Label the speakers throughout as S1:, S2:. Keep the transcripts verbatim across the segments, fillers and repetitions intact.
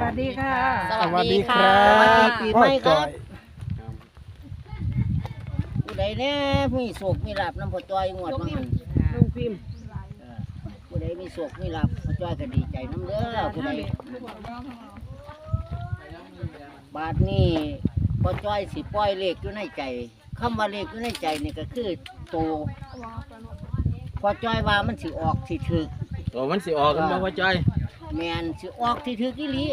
S1: วัสดีค่ะ
S2: สวัสดีครับ
S3: สวัสดีปีใหม่ครับ
S2: ครับ
S3: ผู้ใดเนี่ยมีโศกมีลาบน้ำพอจอยงวดมาหัน
S1: ลุงพิมพ์
S3: เออผู้ใดมีโศกมีลาบพอจอยก็ดีใจน้ำเด้อผู้ใดบาทนี้พอจอยสิปล่อยเลขอยู่ในใจคำว่าเลขอยู่ในใจนี่ก็คือโตพอจอยว่ามันสิออกสิถึก
S2: ตัวมันสิออกกันบ่พ่อจ้อย
S3: แมนสิออกที่ถือกิลี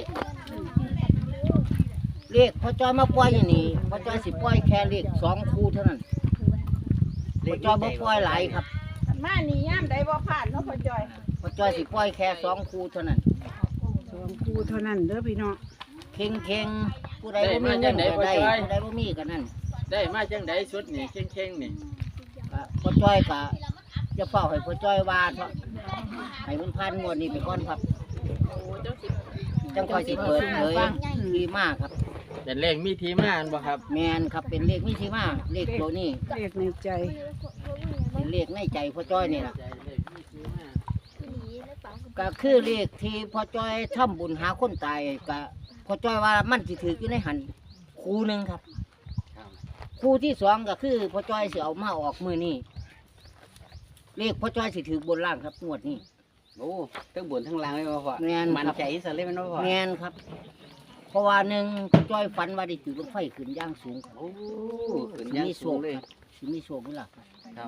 S3: เลขพอจอยมาปล่อยอย่างนี้พอจอยสิปล่อยแค่เลขสองคู่เท่านั้นพอจอยบ่ปล่อยหลายครับ
S1: มานี่ย่ามใดบ่ผ่านเนาะพ่อจอย
S3: พอจอยสิปล่อยแค่สองคู่เท่านั้น
S1: สองคู่เท่านั้นเด้อพี่น้อง
S3: เข่งเข่งๆผู้ใดบ่มีเงินก็ได้ผู้ใดบ่มีก็นั่น
S2: ได้มาจังไดชุดนี่เข่งๆนี่
S3: ก็พอจอยก็จะเฝ้าให้พอจอยว่าเถอะให้มันผ่านงวดนี้ไปก่อนครับจังค่อยสิเปิดเผยที่มาครับ
S2: เป็นเลขมีที่มาอันบ่ครับ
S3: แมนครับเป็นเลขมีที่มาเลขตัวนี้
S1: เลขในใจ
S3: เป็นเลขในใจพ่อจ้อยนี่แหละ
S2: เลขมีที่มา
S3: ก็คือเลขที่พ่อจ้อยทำบุญหาคนตายก็พ่อจ้อยว่ามันสิถืออยู่ในหันคู่หนึ่งครับ
S2: ครับ
S3: คู่ที่สองก็คือพ่อจ้อยสิเอามาออกมือนี่เลขพ่อจ้อยสิถือบนล่างครับงวดนี้
S4: โอ้ทั้งบนทั้งล่างเลยมาพ่อ
S3: แม่นครับ
S4: มันใจสเลยมันมาพ่อ
S3: แมนครับ เพราะว่าหนึ่งพ่อจ้อยฝันว่าได้จุดลงไฟขึ้นย่างสูงครับ
S4: โอ้ขึ้นย่างสูงเลย
S3: สิมีโชคมีลาภครับ
S4: ครับ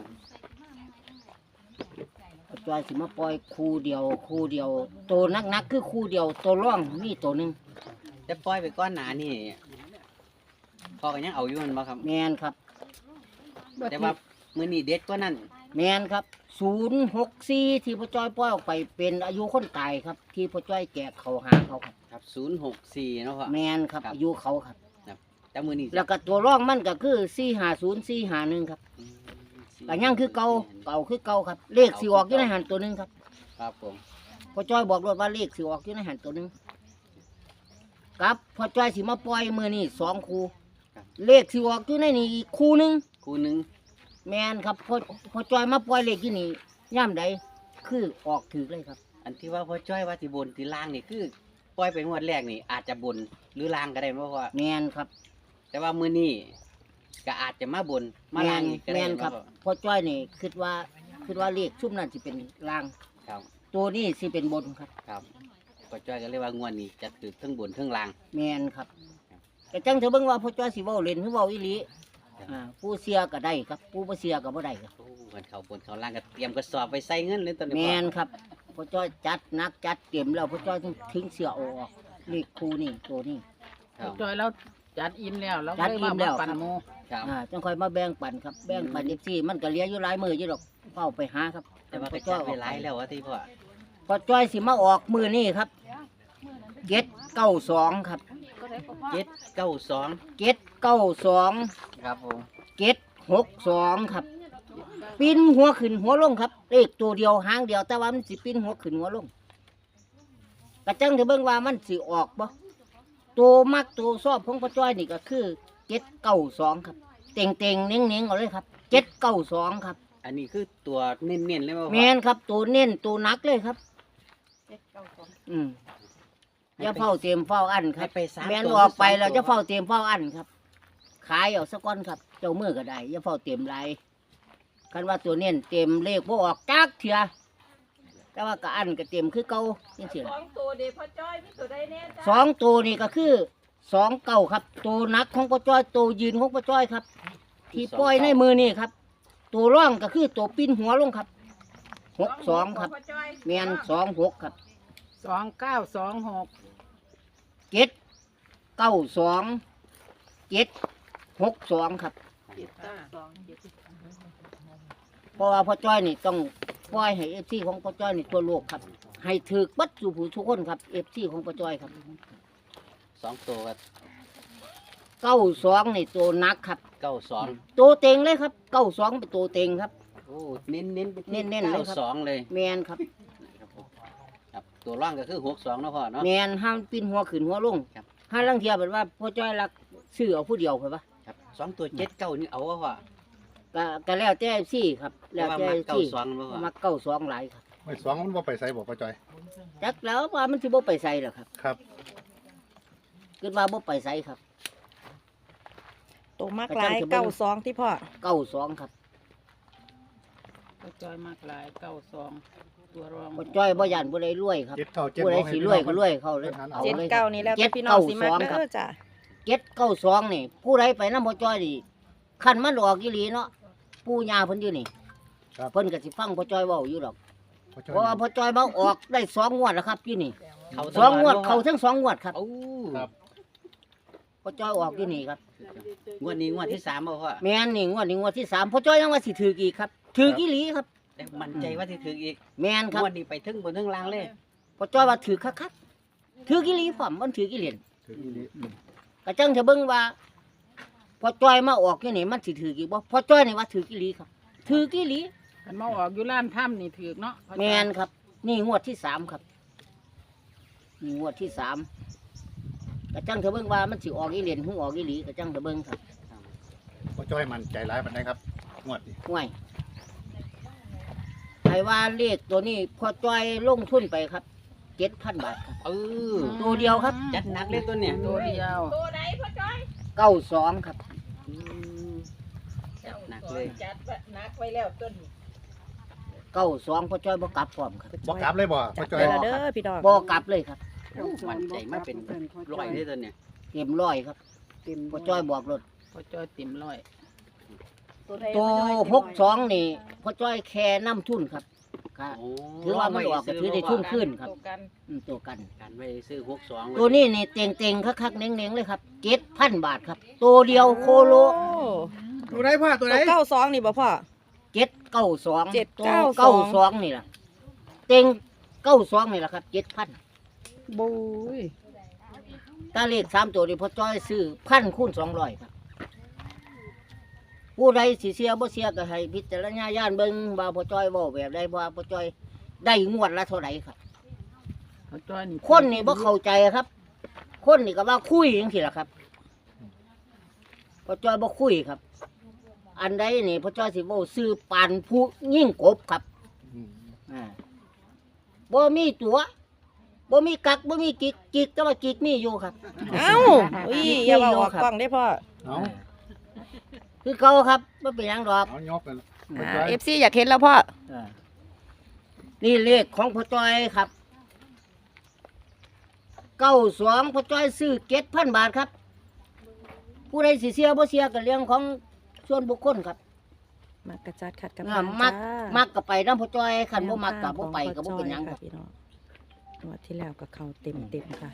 S3: พ่อจ้อยสิมาปล่อยคู่เดียวคู่เดียวตัวนักๆคือคู่เดียวตัวร่องมีตัวหนึ่ง
S4: แต่ปล่อยไปก้อนหนานี่พ่อก็ยังเอาอยู่มันบ่ครับ
S3: แมนครับ
S4: แต่ว่ามื้อนี้เด็ดกว่านั้น
S3: แมนครับศูนย์หกสี่ที่พ่อจ้อยปล่อยออกไปเป็นอายุคนตายครับ ที่พ่อจ้อยแกะเขาหาเขาครับ
S4: ครับศูนย์หกสี่เนาะพ่อ
S3: แมนครับ
S4: ครับ
S3: อายุเขาครับ
S4: แต่มื้อนี้
S3: แล้วก็ตัวร่องมันก็คือสี่หาศูนย์สี่หาหนึ่งครับ
S4: อืม
S3: ก็ยังคือเก่าเก่าคือเก่าครับ เลขสีออกอยู่ในหันตัวหนึ่งครับ
S4: ครับผม
S3: พ่อจ้อยบอกรถว่าเลขสีออกอยู่ในหันตัวหนึ่งครับพ่อจ้อยสิมาปล่อยมือนี่สองคู่เลขสีออกอยู่ในนี่อีกคู่หนึ่ง
S4: คู่หนึง
S3: แมนครับพ่อพ่อจ้อยมาปล่อยเลขที่นี่ย่ำใดคือออกถือเลยครับ
S4: อันที่ว่าพ่อจ้อยว่าที่บนที่ล่างนี่คือปล่อยไปงวดแรกนี่อาจจะบนหรือล่างก็ได้บ่พ่อ
S3: แมนครับ
S4: แต่ว่ามื้อนี้ก็อาจจะมาบนมา
S3: แม
S4: ล่าง
S3: น
S4: อีกก็
S3: แม
S4: ได้
S3: น
S4: เนาะ
S3: ครับ
S4: พ่อ
S3: พ่อจ้อยนี่คิดว่าคิดว่าเลขชุ่มนั่นสิเป็นล่าง
S4: ครับ
S3: ตัวนี้สิเป็นบนครับ
S4: ครับพ่อจ้อยก็เลยว่างวดนี้จะถือทั้งบนทั้งล่าง
S3: แมนครับแต่จังเธอเบิ่งว่าพ่อจ้อยสิเว้าเล่นหรือเว้าอีหลีอ่าผู้เสียก็ได้ครับ ผู้บ่เสียก็บ่ได้ครับ
S4: โอ้มันเขาบนเขาล่างก็เตรียมกระสอบไปใส่เงินเลยตอนนี้
S3: แม
S4: พ่อน
S3: ครับพ่อจ้อยจัดหนักจัดเตรียมแล้วพ่อจ้อยถึงทิ้งเสียออกเลขคู่นี่ตัวนี้
S4: ครับ
S1: จอยเราจัดอินแล้วเรา
S3: จัดอิ่มแล้ว
S1: ปั่น
S3: ครับ
S1: โม
S4: ครับ
S3: อ่าจังค่อยมาแบ่งปันครับแบ่งปัน
S4: อืม
S3: เอฟซีมันก็เหลี้ยอยู่หลายมืออยู่ดอกเฝ้าไปหาครับ
S4: แต่ว่า
S3: พ่
S4: ก็
S3: อจ้
S4: จั
S3: อ
S4: ด
S3: ย
S4: ไปหลายแล้วว่าที่พ่อ
S3: พ่อจ้อยสิมาออกมือนี่ครับเจ็ดเก้าสองครับ
S4: เจ็ดเก้าสอง
S3: เจ็ดเก้าสอง
S4: ครับผม
S3: เจ็ดหกสองครับปีนหัวขึ้นหัวลงครับเลขตัวเดียวหางเดียวแต่ว่ามันสิปีนหัวขึ้นหัวลงกระจังเถอะเบิ่งว่ามันสิออกบ่ตัวมักตัวชอบของพ่อจ้อยนี่ก็คือเจ็ดเก้าสองครับเต่งเต่งๆเน่งเน่งๆเอาเลยครับเจ็ดเก้าสองครับ
S4: อันนี้คือตัวเน้นๆเลยว่า
S3: แมนครับตัวเน้นตัวหนักเลยครับ อืมอย่าเฝ้าเตรียมเฝ้าอันค
S4: ให้
S3: รับ
S4: ไปสาม
S3: แมน
S4: ตัว
S3: ออกไป
S4: หรื
S3: เรา
S4: สง
S3: จะ
S4: ตัว
S3: เฝ้าเตรียมเฝ้าอันครับ ขายเอาสักก้อนครับ เจ้ามือก็ได้อย่าเฝ้าเตรียมไรคันว่าตัวเน้นเตรียมเลขพวกออกจักเถื่อแต่ว่าก็อันก็เตรียมคือเก่าจังซี่
S1: ส
S3: ล่ะ
S1: องตัวเดียวพ่อจอยมีตัวใดแน่จ้า
S3: สองตัวนี่ก็คือสองเก่าครับตัวหนักของป้าจ้อยตัวยืนของป้าจ้อยครับ ที่ปล่อยในมือนี่ครับ ตัวร่องก็คือตัวปิ้นหัวลงครับหกสองครับ
S1: พ่อจ้อย
S3: แมนสองหกครับ
S1: สองเก้าสองหก
S3: เจ็ดเก้าสองเจ็ดหกสองครับ
S1: เจ็ดเก้าสองเจ็ด
S3: เพราะว่าพ่อจ้อยนี่ต้องปล่อยให้เอฟซีของพ่อจ้อยนี่ทั่วโลกครับ ให้ถือบัดสู่ผู้ทุกคนครับเอฟซีของพ่อจ้อยครับ
S4: สองตัวกับ
S3: เก้าสองนี่ตัวหนักครับ
S4: เก้าสอง
S3: ตัวเต็งเลยครับเก้าสองเป็นตัวเต็งครับ
S4: โอ้เน้นเน้นๆไปที่
S3: เน้นๆเลย
S4: เก้า
S3: ครับ
S4: สองเลย
S3: แมนครับ
S4: ครับผมครับตัวร่างก็คือหกสองเนาะพ่อเนาะ
S3: แมนห้ามปิ้นหัวขึ้นหัวลง
S4: ครับ
S3: ห้าลังเทียแบบว่าพ่อจ้อยรักซื้อเอาผู้เดียวไปปะ
S4: ครับสองตัวเจ็ดเก้านี่เอาว่าพ่อ
S3: ก็ก็แล้วแต่ซี่ครับ
S4: แต่
S3: แล้ว
S4: ว่า
S3: แต่
S4: มาเก้า
S3: ซี่
S4: สองเนาะพ่อ
S3: มักเก้าสองหลายครับ
S2: ไม่สองมันบ่ไปใส่บ่พ่อจ้อย
S3: จักแล้วว่ามันสิบ่ไปใส่หรอกครับ
S2: ครับ
S3: คิดว่าบ่ไปไสครับ
S5: ตัวมากหลายเก้าสองที่พ่อ
S3: เก้าสองครับ
S1: พ่อจ้อยมากหลายเก้าสองตัวรอง
S3: บ่จ้อยบ่ย่านบ่ได้รวยครับ
S6: เจ็ดเก้าเจ็ด
S3: ผู้ใด
S6: บอกให้
S3: สิ
S6: พี่
S3: ร
S6: น้
S3: ว
S6: อย ง
S3: ก็รวยเข้าเลย
S6: เอา
S5: เจ็ด
S6: เลย
S5: เก้านี่แล้วแต่พี่น้องสิมักเด้อจ้ะ
S3: เจ็ดเก้าสองนี่ ผู้ใดไปนำบ่จ้อยนี่คันมันออกอีหลีเนาะปู่ย่าเพิ่นอยู่นี่
S6: ครับ
S3: เพิ่นก็สิฟังพ่อจ้อยเว้าอยู่ดอก
S6: พ่อจ้อย
S3: เพราะว่าพ่อจ้อยมาออกได้สองงวดแล้วครับอยู่นี่
S4: เขา
S3: สองงวดเขาทั้งสองงวดครับ
S4: โอ้
S6: ครับ
S3: พ่อจ้อยออกอยู่นี่ครับ
S4: งวดนี้งวดที่สามบ่พ่อ
S3: แม่นนี่งวดนี้งวดที่สามพ่อจ้อยยังว่าสิถืออีกครับถืออีหลีครับ
S4: แต่มั่นใจว่าสิถึงอีก
S3: แม่นครับ
S4: งวดนี้ไปถึงบนถึงล่างเลย
S3: พ่อจ้อยว่าถือคักๆถืออีหลีพร้อมมันถืออีเหรียญ
S6: ถืออีหลี
S3: ก็จังจะเบิ่งว่าพ่อจ้อยมาออกอยู่นี่มันสิถืออีกบ่พ่อจ้อยนี่ว่าถืออีหลีครับถืออีหลี
S1: มันมาออกอยู่ร้านถ้ำนี่ถือเนาะพ่อจ้อย
S3: แม่นครับ นี่งวดที่สามครับนี่งวดที่สามก็จังจะเบิ่งว่ามันสิออกอีเหรียญหรือออกอีหลีก็จังจะเบิ่งครับ
S6: พ่อจ้อยมันใจร้ายปานใดครับงวดนี้
S3: ห่วยใครว่าเลขตัวนี้พ่อจ้อยลงทุนไปครับเจ็ดพันบาทครับ
S4: เออ
S3: ตัวเดียวครับ
S4: จัดหนักเลยตัวเนี่ย
S1: ตัวเดียว
S3: เก้าสองครับ
S4: อืมจัดหนักเลย
S3: เก้าสองพ่อจ้อยบ่กลับพร้อมครับ
S6: บอกกลับเลยบ่
S5: จั
S6: พ่อ
S5: ด
S6: จ้อ
S5: ไป
S6: ย
S5: แล้วเด้อพี่ดอก
S3: บ่กลับเลยครับ
S4: มั่นใจมาเป็นร้อยเลยตัวเนี่ย
S3: เต็มร้อยครับพ่อจ้อยบอกรถ
S1: พ่อจ้อยติ่มร้อย
S3: ตัวหกสองนี่พ่อจ้อยแค่น้ำทุนครับครับ
S4: โอ้
S3: ถือว่ามันออกก็ถือได้ทุนขึ้นครับอืมตัวกัน
S4: การไปซื้อหกสอง
S3: ตัวนี้นี่เต็งเต็งๆคักๆเน้งๆเลยครับเจ็ดพันบาทครับ ตัวเดียวโคโล
S5: โอ้
S6: ตัวไหนพ่อตัวไหน
S5: ตัวเก้าสองนี่บ่พ่อ
S3: เจ็ดเก้าสอง
S5: เจ็ด
S3: ตัว
S5: เก้าสอง
S3: เก้าสองนี่แหละเต็งเก้าสองนี่แหละครับเจ็ดพัน
S5: บุย
S3: ถ้าเลขสามตัวนี่พ่อจ้อยซื้อพันคูณสองร้อยครับผู้ใดสิเสียบ่เสียก็ให้พิจารณาญาณเบิ่งว่าพ่อจ้อยเว้าแบบใดว่าพ่อจ้อยได้งวดละเท่าไหร่ครับ
S1: พ่อจ้อยนี่
S3: คนนี่บ่เข้าใจครับ คนนี่ก็ว่าคุยจังซี่ล่ะครับพ่อจ้อยบ่คุยครับ อันใดนี่พ่อจ้อยสิเว้าซื้อปานผู้ยิ่งกบครับ
S6: อืม
S3: อ่าบ่มีตัวบ่มีกักบ่มีกิกกิกแต่ว่ากิกมีอยู่ครับ
S5: เอ้าอุ้ยอย่ามาออกกล้องได้พ่อ
S6: เอา
S3: คือเขาครับบ่เป็นหยังดอก
S6: เอายกกันพ่อ
S5: อ่า
S6: จ้อย
S5: เอฟซีอยากเห็นแล้วพ่อ
S3: อ่านี่เลขของพ่อจ้อยครับเก้าสองพ่อจ้อยซื้อเจ็ดพันบาทครับ ผู้ใดสิเสียบ่เสียก็เรื่องของส่วนบุคคลครับ
S5: มักกระจัดขัดกับ
S3: อ่ามัก มักก็ไปนำพ่อจ้อยคันบ่มักก็บ่ไปก็บ่เป็นหยังครับ
S5: พี่น้องงวดที่แล้วก็เข้าเต็มเต็มๆค่ะ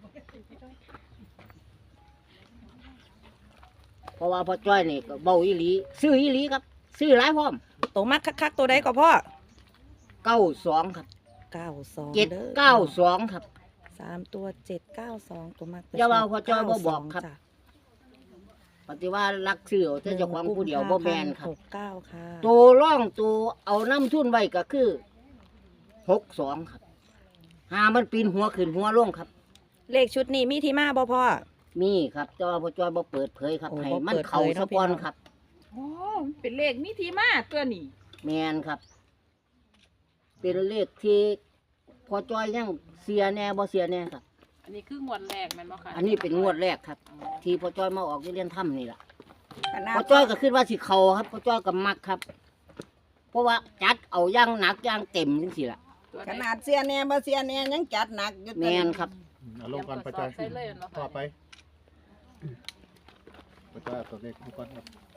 S3: เพราะว่าพ่อจ้อยนี่ก็เบาอีหลีซื้ออีหลีครับ ซื้อหลายพร้อม
S5: ตัวมักคักๆตัวใดก็พ่อ
S3: เก้าสองครับ
S5: เก้าสอง
S3: เจ็ด
S5: ด้อ
S3: เก้าสองครับ
S5: สามตัวเจ็ดเก้าสองตัวมัก
S3: อย่าว่าพ่อจ้อยบ่บอกครับ
S5: จ้ะ
S3: ปฏิว่ารักซื้อเอาแต่เจ้าของผู้เดียวบ่แม่นครับ
S5: หกเก้าค่ะ
S3: ตัวร่องตัวเอาน้ำทุนไว้ก็คือหกสองครับหามันปีนหัวขึ้นหัวลงครับ
S5: เลขชุดนี้มีที่มาบ่พ่อ
S3: มีครับแต่ว่าพ่อจ้อยบ่เปิดเผยครับ
S5: โอ้
S3: ให้
S5: บ่
S3: มัน
S5: เปิดเผย
S3: เข้า
S5: เนาะ
S3: สะก่อน
S5: พี่น้อง
S3: ครับ
S1: โอ้เป็นเลขมิทีมาตัวนี้
S3: แมนครับ เป็นเลขที่พ่อจ้อยยังเสียแน่บ่เสียแน่ครับ
S1: อันนี้คืองวดแรกแม่นบ่คะ
S3: อันนี้เป็นงวดแรกครับ
S1: อ๋อ
S3: ที่พ่อจ้อยมาออกเรียนถ้ำนี่แหละ
S5: ขนาด
S3: พ่อจ้อยก็คิดว่าสิเขาครับพ่อจ้อยก็มักครับ เพราะว่าจัดเอาอย่างหนักอย่างเต็มจังซี่ล่ะ
S1: ตัวไห
S7: ขนาดเสียแหน่บ่เสียแหน่ยังจัดหนักอยู่
S3: แม
S7: ตัว
S3: น
S7: นี้
S3: ครับ
S6: เอาลงก่อนพ่อจ้อย
S1: ใส่เลยเนาะ
S6: ต่อไปพ่อจ้อยเอาตัวเลขลงก่อนครับ